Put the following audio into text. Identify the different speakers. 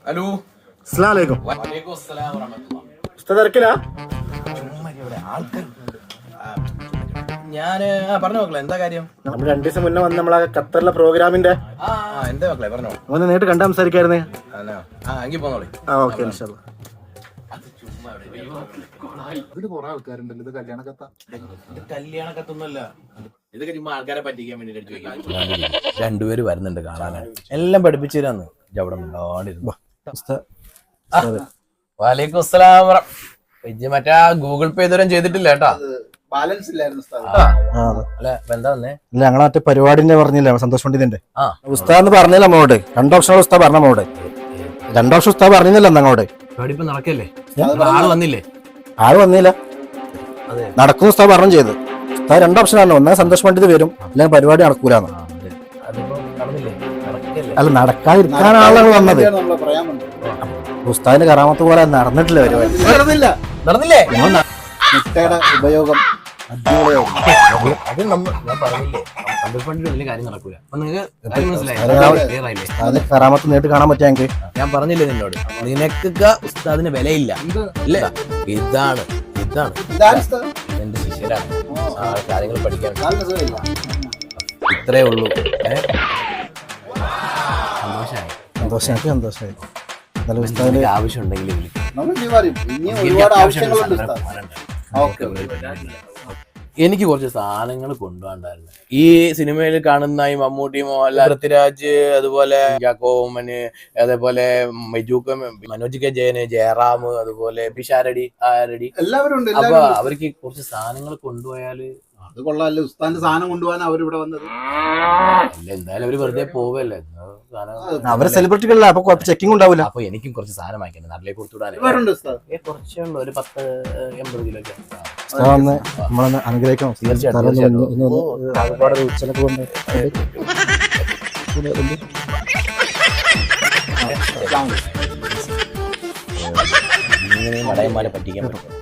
Speaker 1: Hello
Speaker 2: അസ്സലാമു അലൈക്കും.
Speaker 1: വലൈക്കും അസ്സലാം വറഹ്മത്തുള്ളാഹി.
Speaker 2: ഉസ്താദ് തിരക്കിലാ?
Speaker 1: ഞാന് പറഞ്ഞ മക്കളെ എന്താ കാര്യം?
Speaker 2: നമ്മൾ 2 ദിവസം മുന്നേ വന്ന് നമ്മളെ ഖത്തറിലെ പ്രോഗ്രാമിന്റെ
Speaker 1: എന്താ മക്കളെ പറഞ്ഞോ.
Speaker 2: ഒന്ന് നേരിട്ട് കണ്ട് സംസാരിക്കായിരുന്നേ.
Speaker 1: എങ്കിൽ പോന്നോളി.
Speaker 2: ഓക്കെ ഇൻഷാ അല്ലാ.
Speaker 1: കല്യാണ കത്തൊന്നുമല്ല, ഇതൊക്കെ ചുമ്മാ ആൾക്കാരെ പറ്റിക്കാൻ വേണ്ടി ചോദിക്കാം. രണ്ടുപേര് വരുന്നുണ്ട് കാണാനാണ്, എല്ലാം പഠിപ്പിച്ചു തരാന്ന്. അവിടെ മിണ്ടാണ്ടിരുന്നു. വലൈക്കും അസ്സലാം. മറ്റേ ഗൂഗിൾ പേ ഇതുവരെ ചെയ്തിട്ടില്ല കേട്ടാ.
Speaker 3: ബാലൻസ് ഇല്ലായിരുന്നു.
Speaker 1: അല്ല എന്താ വന്നേ?
Speaker 2: ഇല്ല, ഞങ്ങളെ മറ്റേ പരിപാടിന്റെ പറഞ്ഞില്ലേ, സന്തോഷ് പണ്ഡിതിന്റെ ഉസ്താദ് പറഞ്ഞില്ല നമ്മോട്. 2 ഓപ്ഷനുകൾ ഉസ്താദ് പറഞ്ഞ നമ്മോട്. 2 ഓപ്ഷൻ ഉസ്താദ് പറഞ്ഞില്ല അങ്ങോട്ട്.
Speaker 1: പരിപാടി ഇപ്പൊ നടക്കല്ലേ? ആള് വന്നില്ലേ?
Speaker 2: ആള് വന്നില്ല, നടക്കുന്ന ഉസ്താദ് പറഞ്ഞു ചെയ്ത്. ഉസ്താദ് 2 ഓപ്ഷനാണ്, ഒന്നാ സന്തോഷ് പണ്ഡിത് വരും, അല്ലെങ്കിൽ പരിപാടി നടക്കൂലെന്ന്. അല്ല, നടക്കാതിരിക്കാനാണ് വന്നത്. ഉസ്താദിന്റെ കറാമത്ത് പോലെ നടന്നിട്ടില്ല പരിപാടി.
Speaker 1: നടന്നില്ലേ?
Speaker 3: മുട്ടയുടെ ഉപയോഗം
Speaker 1: അത് ഞാൻ പറഞ്ഞില്ലേ, വലിയ കാര്യം നടക്കൂല. അപ്പൊ നിങ്ങൾക്ക് മനസ്സിലായി?
Speaker 2: കറാമത്ത് നേരിട്ട് കാണാൻ പറ്റിയെങ്കിൽ
Speaker 1: ഞാൻ പറഞ്ഞില്ലേ നിന്നോട്, നിനക്കൊക്കെ ഉസ്താദിന് വിലയില്ല. ഇല്ല, ഇതാണ് എന്റെ ശിഷ്യരാണ്, കാര്യങ്ങൾ പഠിക്കാൻ. ഇത്രേ ഉള്ളൂ.
Speaker 2: സന്തോഷമായി. നല്ല ഉസ്താദിന്റെ
Speaker 1: ആവശ്യം ഉണ്ടെങ്കിൽ എനിക്ക് കുറച്ച് സാധനങ്ങൾ കൊണ്ടുപോകണ്ടായിരുന്നു. ഈ സിനിമയിൽ കാണുന്ന ഈ മമ്മൂട്ടി, മോഹൻലാൽ, പൃഥ്വിരാജ്, അതുപോലെ ജാക്കോമന്, അതേപോലെ മെജൂക്ക, മനോജ് കെ ജയന്, ജയറാം, അതുപോലെ പിഷാരടി, ആരടി,
Speaker 3: എല്ലാവരും ഉണ്ട്.
Speaker 1: അപ്പൊ അവർക്ക് കുറച്ച് സാധനങ്ങൾ കൊണ്ടുപോയാല്
Speaker 3: അത് കൊള്ളാല്ലേ, ഉസ്താദിന്റെ സാധനം കൊണ്ടുപോകാൻ അവരിവിടെ വന്നത്.
Speaker 1: അല്ല, എന്തായാലും അവര് വെറുതെ പോവല്ലേ.
Speaker 2: അവരെ സെലിബ്രിറ്റികളല്ല, അപ്പൊ ചെക്കിംഗ് ഉണ്ടാവില്ല.
Speaker 1: അപ്പൊ എനിക്കും കുറച്ച് സാധനം വാങ്ങിക്കണം, നാട്ടിലേക്ക് കൊടുത്തുവിടാൻ. കുറച്ചേ ഉള്ളൂ, ഒരു 10-80 കിലോ.
Speaker 2: നമ്മളൊന്ന് അനുഗ്രഹിക്കണം.
Speaker 1: ഇങ്ങനെ നടയന്മാരെ പറ്റിക്കാൻ പറ്റും.